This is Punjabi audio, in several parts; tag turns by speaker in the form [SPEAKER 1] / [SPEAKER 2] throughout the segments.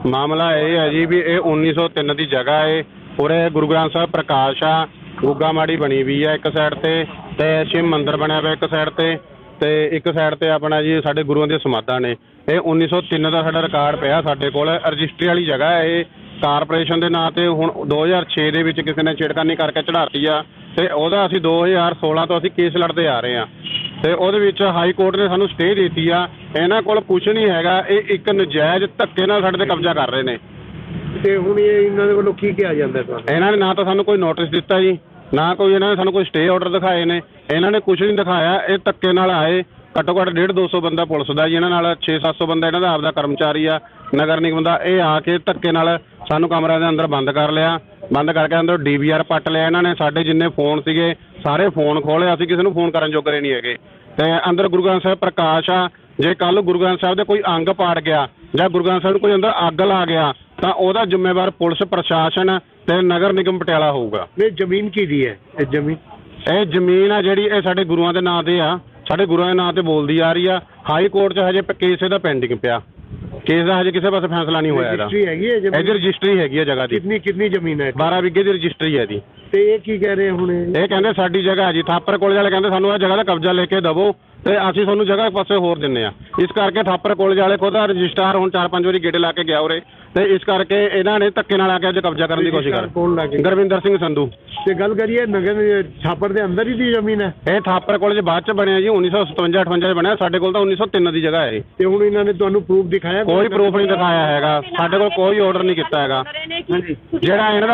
[SPEAKER 1] ਮਾਮਲਾ ਇਹ ਹੈ ਜੀ ਵੀ ਇਹ 1903 ਦੀ ਜਗ੍ਹਾ ਹੈ। ਉਰੇ ਗੁਰੂ ਗ੍ਰੰਥ ਸਾਹਿਬ ਪ੍ਰਕਾਸ਼ ਆ, ਗੁੱਗਾ ਮਾੜੀ ਬਣੀ ਵੀ ਆ ਇੱਕ ਸਾਈਡ ਤੇ ਸ਼ਿਵ ਮੰਦਿਰ ਬਣਿਆ ਪਿਆ ਇੱਕ ਸਾਈਡ ਤੇ ਇੱਕ ਸਾਈਡ ਤੇ ਆਪਣਾ ਜੀ ਸਾਡੇ ਗੁਰੂਆਂ ਦੀਆਂ ਸਮਾਧਾਂ ਨੇ। ਇਹ 1903 ਦਾ ਸਾਡਾ ਰਿਕਾਰਡ ਪਿਆ ਸਾਡੇ ਕੋਲ, ਰਜਿਸਟਰੀ ਵਾਲੀ ਜਗ੍ਹਾ ਹੈ ਇਹ। ਕਾਰਪੋਰੇਸ਼ਨ ਦੇ ਨਾਂ ਤੇ ਹੁਣ 2006 ਦੇ ਵਿੱਚ ਕਿਸੇ ਨੇ ਛੇੜਖਾਨੀ ਕਰਕੇ ਚੜਾਤੀ ਆ ਤੇ ਉਹਦਾ ਅਸੀਂ 2016 ਤੋਂ ਅਸੀਂ ਕੇਸ ਲੜਦੇ ਆ ਰਹੇ ਹਾਂ ਤੇ ਉਹਦੇ ਵਿੱਚ ਹਾਈ ਕੋਰਟ ਨੇ ਸਾਨੂੰ ਸਟੇ ਦਿੱਤੀ ਆ। ਇਹਨਾਂ ਕੋਲ ਕੁਝ ਨਹੀਂ ਹੈਗਾ, ਇਹ ਇੱਕ ਨਜਾਇਜ਼ ਧੱਕੇ ਨਾਲ ਸਾਡੇ ਤੇ ਕਬਜ਼ਾ ਕਰ ਰਹੇ ਨੇ।
[SPEAKER 2] ਤੇ ਹੁਣ ਇਹਨਾਂ ਦੇ ਵੱਲੋਂ ਕੀ ਕਿਹਾ ਜਾਂਦਾ ਤੁਹਾਨੂੰ?
[SPEAKER 1] ਇਹਨਾਂ ਨੇ ਨਾ ਤਾਂ ਸਾਨੂੰ ਕੋਈ ਨੋਟਿਸ ਦਿੱਤਾ ਜੀ, ਨਾ ਕੋਈ ਇਹਨਾਂ ਨੇ ਸਾਨੂੰ ਕੋਈ ਸਟੇ ਆਰਡਰ ਦਿਖਾਏ ਨੇ। ਇਹਨਾਂ ਨੇ ਕੁਝ ਨਹੀਂ ਦਿਖਾਇਆ, ਇਹ ਧੱਕੇ ਨਾਲ ਆਏ। ਘੱਟੋ ਘੱਟ 150-200 ਬੰਦਾ ਪੁਲਿਸ ਦਾ ਜੀ, ਇਹਨਾਂ ਨਾਲ 600-700 ਬੰਦਾ ਇਹਨਾਂ ਦਾ ਆਪਦਾ ਕਰਮਚਾਰੀ ਆ, ਨਗਰ ਨਿਗਮ ਦਾ। ਇਹ ਆ ਕੇ ਧੱਕੇ ਨਾਲ ਸਾਨੂੰ ਕਮਰਿਆਂ ਦੇ ਅੰਦਰ ਬੰਦ ਕਰ ਲਿਆ, ਬੰਦ ਕਰਕੇ ਅੰਦਰ DVR ਪੱਟ ਲਿਆ ਇਹਨਾਂ ਨੇ। ਸਾਡੇ ਜਿੰਨੇ ਫੋਨ ਸੀਗੇ ਸਾਰੇ ਫੋਨ ਖੋਲੇ, ਅਸੀਂ ਕਿਸੇ ਨੂੰ ਫੋਨ ਕਰਨ ਜੋਗਰੇ ਨਹੀਂ ਹੈਗੇ। ਤੇ ਅੰਦਰ ਗੁਰੂ ਗ੍ਰੰਥ ਸਾਹਿਬ ਪ੍ਰਕਾਸ਼ ਆ, ਜੇ ਕੱਲ ਗੁਰੂ ਗ੍ਰੰਥ ਸਾਹਿਬ ਦੇ ਕੋਈ ਅੰਗ ਪਾੜ ਗਿਆ ਜਾਂ ਗੁਰੂ ਗ੍ਰੰਥ ਸਾਹਿਬ ਨੂੰ ਕੋਈ ਅੰਦਰ ਅੱਗ ਲਾ ਗਿਆ ਤਾਂ ਉਹਦਾ ਜ਼ਿੰਮੇਵਾਰ ਪੁਲਿਸ ਪ੍ਰਸ਼ਾਸਨ ਤੇ ਨਗਰ ਨਿਗਮ ਪਟਿਆਲਾ ਹੋਊਗਾ।
[SPEAKER 2] ਇਹ ਜ਼ਮੀਨ ਕਿਹਦੀ ਹੈ? ਇਹ ਜ਼ਮੀਨ
[SPEAKER 1] ਆ ਜਿਹੜੀ ਇਹ ਸਾਡੇ ਗੁਰੂਆਂ ਦੇ ਨਾਂ ਤੇ ਆ, ਸਾਡੇ ਗੁਰੂਆਂ ਦੇ ਨਾਂ ਤੇ ਬੋਲਦੀ ਆ ਰਹੀ ਆ। ਹਾਈ ਕੋਰਟ 'ਚ ਹਜੇ ਕੇਸ ਇਹਦਾ ਪੈਂਡਿੰਗ ਪਿਆ, ਕੇਸ ਦਾ ਹਜੇ ਕਿਸੇ ਪਾਸੇ ਫੈਸਲਾ ਨਹੀਂ ਹੋਇਆ।
[SPEAKER 2] ਰਜਿਸਟਰੀ ਹੈਗੀ ਹੈ
[SPEAKER 1] ਇਹਦੀ ਰਜਿਸਟਰੀ ਹੈਗੀ ਆ ਜਗ੍ਹਾ ਦੀ।
[SPEAKER 2] ਕਿੰਨੀ ਜ਼ਮੀਨ ਹੈ?
[SPEAKER 1] 12 ਵਿਗੇ ਦੀ ਰਜਿਸਟਰੀ ਹੈ ਇਹਦੀ।
[SPEAKER 2] ਤੇ ਇਹ ਕੀ ਕਹਿ ਰਹੇ ਹੁਣ?
[SPEAKER 1] ਇਹ ਕਹਿੰਦੇ ਸਾਡੀ ਜਗ੍ਹਾ ਹੈ ਜੀ। ਥਾਪਰ ਕਾਲਜ ਵਾਲੇ ਕਹਿੰਦੇ ਸਾਨੂੰ ਇਹ ਜਗ੍ਹਾ ਦਾ ਕਬਜ਼ਾ ਲੈ ਕੇ ਦੇਵੋ ਤੇ ਅਸੀਂ ਤੁਹਾਨੂੰ ਜਗ੍ਹਾ ਇੱਕ ਪਾਸੇ ਹੋਰ ਦਿੰਦੇ ਆ। ਇਸ ਕਰਕੇ ਥਾਪਰ ਕਾਲਜ ਵਾਲੇ ਖੁਦ ਰਜਿਸਟਰਾਰ ਹੁਣ 4-5 ਵਾਰੀ ਗੇੜੇ ਲਾ ਕੇ ਗਿਆ ਉਰੇ ਤੇ ਇਸ ਕਰਕੇ ਇਹਨਾਂ ਨੇ ਧੱਕੇ ਨਾਲ ਆ ਕੇ ਅੱਜ ਕਬਜ਼ਾ ਕਰਨ ਦੀ ਕੋਸ਼ਿਸ਼ ਕਰ। ਗੁਰਵਿੰਦਰ ਸਿੰਘ ਸੰਧੂ।
[SPEAKER 2] ਤੇ ਗੱਲ ਕਰੀਏ ਨਗਰ ਥਾਪਰ ਦੇ ਅੰਦਰ ਹੀ ਦੀ ਜ਼ਮੀਨ ਹੈ?
[SPEAKER 1] ਇਹ ਥਾਪਰ ਕਾਲਜ ਬਾਅਦ ਚ ਬਣਿਆ ਜੀ, 1957-58 ਚ ਬਣਿਆ। ਸਾਡੇ ਕੋਲ ਤਾਂ 1903 ਦੀ ਜਗ੍ਹਾ ਹੈ।
[SPEAKER 2] ਤੇ ਹੁਣ ਇਹਨਾਂ ਨੇ ਤੁਹਾਨੂੰ ਪ੍ਰੂਫ ਦਿਖਾਇਆ?
[SPEAKER 1] ਕੋਈ ਪ੍ਰੂਫ ਨਹੀਂ ਦਿਖਾਇਆ ਹੈਗਾ, ਸਾਡੇ ਕੋਲ ਕੋਈ ਆਰਡਰ ਨਹੀਂ ਕੀਤਾ ਹੈਗਾ। ਜਿਹੜਾ ਇਹਨਾਂ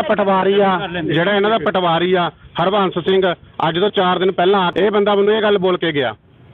[SPEAKER 1] ਦਾ ਪਟਵਾਰੀ ਆ ਹਰਬੰਸ ਸਿੰਘ, ਅੱਜ ਤੋਂ 4 ਦਿਨ ਪਹਿਲਾਂ ਇਹ ਬੰਦਾ ਮੈਨੂੰ ਇਹ ਗੱਲ ਬੋਲ ਕੇ ਗਿਆ।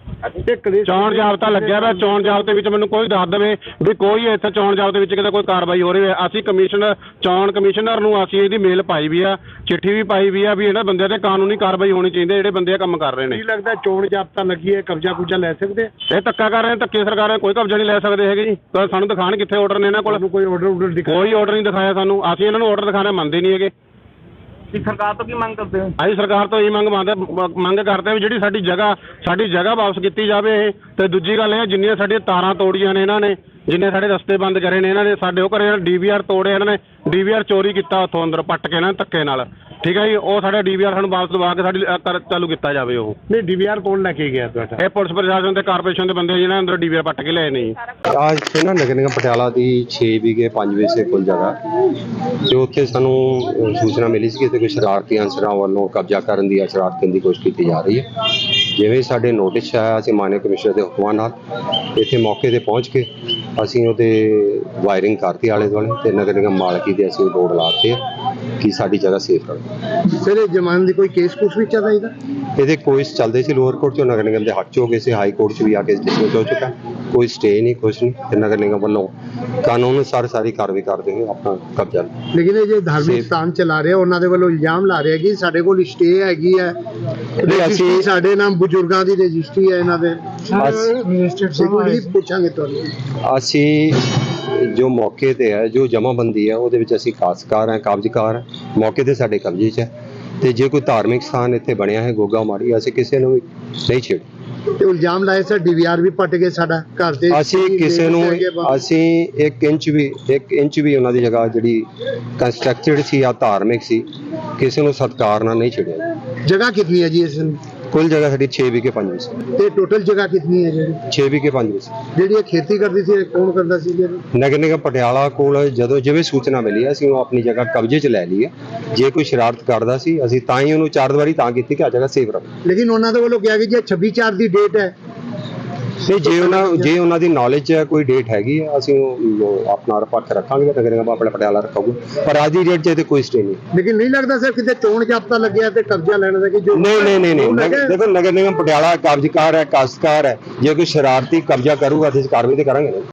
[SPEAKER 1] ਚੋਣ ਜਾਬਤਾ ਲੱਗਿਆ ਵਾ, ਚੋਣ ਜਾਬਤੇ ਵਿੱਚ ਮੈਨੂੰ ਕੋਈ ਦੱਸ ਦੇਵੇ ਵੀ ਕੋਈ ਇੱਥੇ ਚੋਣ ਜਾਬਤੇ ਵਿੱਚ ਕਿਤੇ ਕੋਈ ਕਾਰਵਾਈ ਹੋ ਰਹੀ ਹੈ। ਅਸੀਂ ਚੋਣ ਕਮਿਸ਼ਨਰ ਨੂੰ ਅਸੀਂ ਇਹਦੀ ਮੇਲ ਪਾਈ ਵੀ ਆ, ਚਿੱਠੀ ਵੀ ਪਾਈ ਵੀ ਆ ਵੀ ਇਹਨਾਂ ਬੰਦਿਆਂ ਤੇ ਕਾਨੂੰਨੀ ਕਾਰਵਾਈ ਹੋਣੀ ਚਾਹੀਦੀ, ਜਿਹੜੇ ਬੰਦੇ ਕੰਮ ਕਰ ਰਹੇ ਨੇ।
[SPEAKER 2] ਕੀ ਲੱਗਦਾ ਚੋਣ ਜਾਬਤਾ ਲੱਗੀ ਹੈ, ਕਬਜ਼ਾ ਕੁਬਜ਼ਾ ਲੈ ਸਕਦੇ?
[SPEAKER 1] ਇਹ ਧੱਕਾ ਕਰ ਰਹੇ ਨੇ, ਧੱਕੇ ਸਰਕਾਰਾਂ ਕੋਈ ਕਬਜ਼ਾ ਨਹੀਂ ਲੈ ਸਕਦੇ ਹੈਗੇ ਜੀ। ਸਾਨੂੰ ਦਿਖਾਣ ਕਿੱਥੇ ਆਰਡਰ ਨੇ ਇਹਨਾਂ ਕੋਲ?
[SPEAKER 2] ਕੋਈ ਆਰਡਰ ਨਹੀਂ
[SPEAKER 1] ਦਿਖਾਇਆ ਸਾਨੂੰ। ਅਸੀਂ ਇਹਨਾਂ ਨੂੰ ਆਰਡਰ ਦਿਖਾਣਾ ਮੰਨਦੇ ਨਹੀਂ ਹੈਗੇ।
[SPEAKER 3] ਸਰਕਾਰ ਤੋਂ ਕੀ ਮੰਗ ਕਰਦੇ ਹੋ?
[SPEAKER 1] ਅਸੀਂ ਸਰਕਾਰ ਤੋਂ ਇਹ ਮੰਗ ਕਰਦੇ ਵੀ ਜਿਹੜੀ ਸਾਡੀ ਜਗ੍ਹਾ ਵਾਪਸ ਕੀਤੀ ਜਾਵੇ ਇਹ। ਤੇ ਦੂਜੀ ਗੱਲ ਇਹ, ਜਿੰਨੀਆਂ ਸਾਡੀਆਂ ਤਾਰਾਂ ਤੋੜੀਆਂ ਨੇ ਇਹਨਾਂ ਨੇ, ਜਿੰਨੇ ਸਾਡੇ ਰਸਤੇ ਬੰਦ ਕਰੇ ਨੇ ਇਹਨਾਂ ਨੇ, ਸਾਡੇ ਉਹ ਘਰੇ DVR ਤੋੜੇ ਇਹਨਾਂ ਨੇ, DVR ਚੋਰੀ ਕੀਤਾ ਉੱਥੋਂ ਅੰਦਰ ਪੱਟ ਕੇ ਇਹਨਾਂ ਧੱਕੇ ਨਾਲ। ਠੀਕ ਹੈ ਜੀ, ਉਹ ਸਾਡਾ DVR ਸਾਨੂੰ ਵਾਪਸ ਦਵਾ ਕੇ ਸਾਡੀ ਚਾਲੂ ਕੀਤਾ ਜਾਵੇ। ਉਹ
[SPEAKER 2] ਨਹੀਂ, DVR ਕੌਣ ਲੈ ਕੇ ਗਿਆ ਤੁਹਾਡਾ?
[SPEAKER 1] ਇਹ ਪੁਲਿਸ ਪ੍ਰਸ਼ਾਸਨ ਤੇ ਕਾਰਪੋਰੇਸ਼ਨ ਦੇ ਬੰਦੇ ਜਿਹਨਾਂ ਅੰਦਰ DVR ਪੱਟ ਕੇ ਲਏ ਨੇ ਜੀ।
[SPEAKER 4] आज से ना नगर निगम पटियाला की 6 ਵਿਗੇ 5 ਵਜੇ ਕੁੱਲ ਜਗ੍ਹਾ ਤੇ ਉੱਥੇ ਸਾਨੂੰ ਸੂਚਨਾ ਮਿਲੀ ਸੀ ਕਿ ਕੋਈ ਸ਼ਰਾਰਤੀ ਅਨਸਰਾਂ ਵੱਲੋਂ ਕਬਜ਼ਾ ਕਰਨ ਦੀ ਸ਼ਰਾਰਤ ਕਰਨ ਦੀ ਕੋਸ਼ਿਸ਼ ਕੀਤੀ ਜਾ ਰਹੀ ਹੈ। ਜਿਵੇਂ ਸਾਡੇ ਨੋਟਿਸ ਆਇਆ, ਅਸੀਂ ਮਾਨਯ ਕਮਿਸ਼ਨਰ ਦੇ ਹੁਕਮਾਂ ਨਾਲ ਇੱਥੇ ਮੌਕੇ ਤੇ ਪਹੁੰਚ ਕੇ ਅਸੀਂ ਉਹਦੇ ਵਾਇਰਿੰਗ ਕਰਤੀ ਆਲੇ ਦੁਆਲੇ ਤੇ ਨਗਰ ਨਿਗਮ ਮਾਲਕੀ ਦੇ ਅਸੀਂ ਬੋਰਡ ਲਾਤੇ ਕਿ ਸਾਡੀ ਜਗ੍ਹਾ ਸੇਫ ਰਹੇ।
[SPEAKER 2] ਸਰ ਇਹ ਜ਼ਮਾਨਤ ਦੀ ਕੋਈ ਕੇਸ ਕੁਛ ਵੀ ਚੱਲ ਰਿਹਾ?
[SPEAKER 4] ਇਹਦੇ ਕੋਰਸ ਚੱਲਦੇ ਸੀ ਲੋਅਰ ਕੋਰਟ 'ਚੋਂ, ਨਗਰ ਨਿਗਮ ਦੇ ਹੱਥ 'ਚ ਹੋ ਗਏ ਸੀ, ਹਾਈ ਕੋਰਟ 'ਚ ਵੀ ਆ ਕੇ ਡਿਸਮਿਸ ਹੋ ਚੁੱਕਾ। ਕੋਈ ਸਟੇ ਨਹੀਂ, ਕੁਛ ਨਹੀਂ। ਤੇ ਨਗਰ ਨਿਗਮ ਵੱਲੋਂ ਕਾਨੂੰਨ ਅਨੁਸਾਰ ਸਾਰੀ ਕਾਰਵਾਈ ਕਰਦੇ ਹੋਏ ਆਪਣਾ ਕਬਜ਼ਾ।
[SPEAKER 2] ਲੇਕਿਨ ਇਹ ਜੇ ਧਾਰਮਿਕ ਸਥਾਨ ਚਲਾ ਰਹੇ ਉਹਨਾਂ ਦੇ ਵੱਲੋਂ ਇਲਜ਼ਾਮ ਲਾ ਰਹੇ ਕਿ ਸਾਡੇ ਕੋਲ ਸਟੇ ਹੈਗੀ ਹੈ, ਅਸੀਂ ਸਾਡੇ ਨਾਮ ਬਜ਼ੁਰਗਾਂ ਦੀ ਰਜਿਸਟਰੀ ਹੈ ਇਹਨਾਂ ਦੇ। ਪੁੱਛਾਂਗੇ ਤੁਹਾਨੂੰ।
[SPEAKER 4] ਅਸੀਂ ਜੋ ਮੌਕੇ ਤੇ ਹੈ, ਜੋ ਜਮਾਬੰਦੀ ਹੈ ਉਹਦੇ ਵਿੱਚ ਅਸੀਂ ਖਾਸਕਾਰ ਹੈ, ਕਬਜ਼ਕਾਰ ਹੈ, ਮੌਕੇ ਤੇ ਸਾਡੇ ਕਬਜ਼ੇ 'ਚ ਹੈ। ਤੇ ਜੇ ਕੋਈ ਧਾਰਮਿਕ ਸਥਾਨ ਇੱਥੇ ਬਣਿਆ ਹੈ ਗੁੱਗਾ ਮਾੜੀ, ਅਸੀਂ ਕਿਸੇ ਨੂੰ ਨਹੀਂ ਛੇੜ।
[SPEAKER 2] ਤੇ ਇਲਜ਼ਾਮ ਲਾਏ ਸਰ DVR ਵੀ ਪੱਟ ਗਏ ਸਾਡਾ ਘਰ ਦੇ।
[SPEAKER 4] ਅਸੀਂ ਕਿਸੇ ਨੂੰ ਅਸੀਂ 1 ਇੰਚ ਵੀ ਉਹਨਾਂ ਦੀ ਜਗ੍ਹਾ ਜਿਹੜੀ ਕੰਸਟਰਕਟਡ ਸੀ ਜਾਂ ਧਾਰਮਿਕ ਸੀ, ਕਿਸੇ ਨੂੰ ਸਤਿਕਾਰ ਨਾਲ ਨਹੀਂ ਛੇੜਿਆ।
[SPEAKER 2] ਜਗ੍ਹਾ ਕਿੰਨੀ ਹੈ ਜੀ ਇਸ ਨੂੰ?
[SPEAKER 4] ਕੁੱਲ ਜਗ੍ਹਾ ਸਾਡੀ 6 ਵਿਗੇ 5 ਵਜੇ।
[SPEAKER 2] ਤੇ ਟੋਟਲ ਜਗ੍ਹਾ ਕਿੰਨੀ ਹੈ ਜਿਹੜੀ?
[SPEAKER 4] 6 ਵਿਗੇ 5 ਵਜੇ।
[SPEAKER 2] ਜਿਹੜੀ ਇਹ ਖੇਤੀ ਕਰਦੀ ਸੀ ਕੌਣ ਕਰਦਾ ਸੀ ਜੀ?
[SPEAKER 4] ਨਗਰ ਨਿਗਮ ਪਟਿਆਲਾ ਕੋਲ ਜਦੋਂ ਜਿਵੇਂ ਸੂਚਨਾ ਮਿਲੀ ਅਸੀਂ ਉਹ ਆਪਣੀ ਜਗ੍ਹਾ ਕਬਜ਼ੇ 'ਚ ਲੈ ਲਈ ਹੈ। ਜੇ ਕੋਈ ਸ਼ਰਾਰਤ ਕਰਦਾ ਸੀ ਅਸੀਂ ਤਾਂ ਹੀ ਉਹਨੂੰ 4 ਵਾਰੀ ਤਾਂ ਕੀਤੀ ਕਿ ਆ ਜਗ੍ਹਾ ਸੇਫ ਰਹੇ।
[SPEAKER 2] ਲੇਕਿਨ ਉਹਨਾਂ ਦੇ ਵੱਲੋਂ ਕਿਹਾ ਕਿ ਜੇ 26/4 ਦੀ ਡੇਟ ਹੈ,
[SPEAKER 4] ਤੇ ਜੇ ਉਹਨਾਂ ਦੀ ਨੌਲੇਜ ਹੈ, ਕੋਈ ਡੇਟ ਹੈਗੀ ਹੈ, ਅਸੀਂ ਉਹ ਆਪਣਾ ਪੱਖ ਰੱਖਾਂਗੇ, ਨਗਰ ਨਿਗਮ ਆਪਣਾ ਪਟਿਆਲਾ ਰੱਖਾਂਗੇ। ਪਰ ਅੱਜ ਦੀ ਡੇਟ 'ਚ ਤੇ ਕੋਈ ਸਟੇ ਨਹੀਂ।
[SPEAKER 2] ਲੇਕਿਨ ਨਹੀਂ ਲੱਗਦਾ ਸਰ ਕਿਤੇ ਚੋਣ ਜਾਬਤਾ ਲੱਗਿਆ ਤੇ ਕਬਜ਼ਾ ਲੈਣ ਦਾ? ਕਿ ਜੋ
[SPEAKER 4] ਨਹੀਂ ਦੇਖੋ, ਨਗਰ ਨਿਗਮ ਪਟਿਆਲਾ ਕਬਜ਼ਕਾਰ ਹੈ, ਕਾਸ਼ਤਕਾਰ ਹੈ। ਜੇ ਕੋਈ ਸ਼ਰਾਰਤੀ ਕਬਜ਼ਾ ਕਰੂਗਾ ਤੇ ਅਸੀਂ ਕਾਰਵਾਈ ਤੇ ਕਰਾਂਗੇ।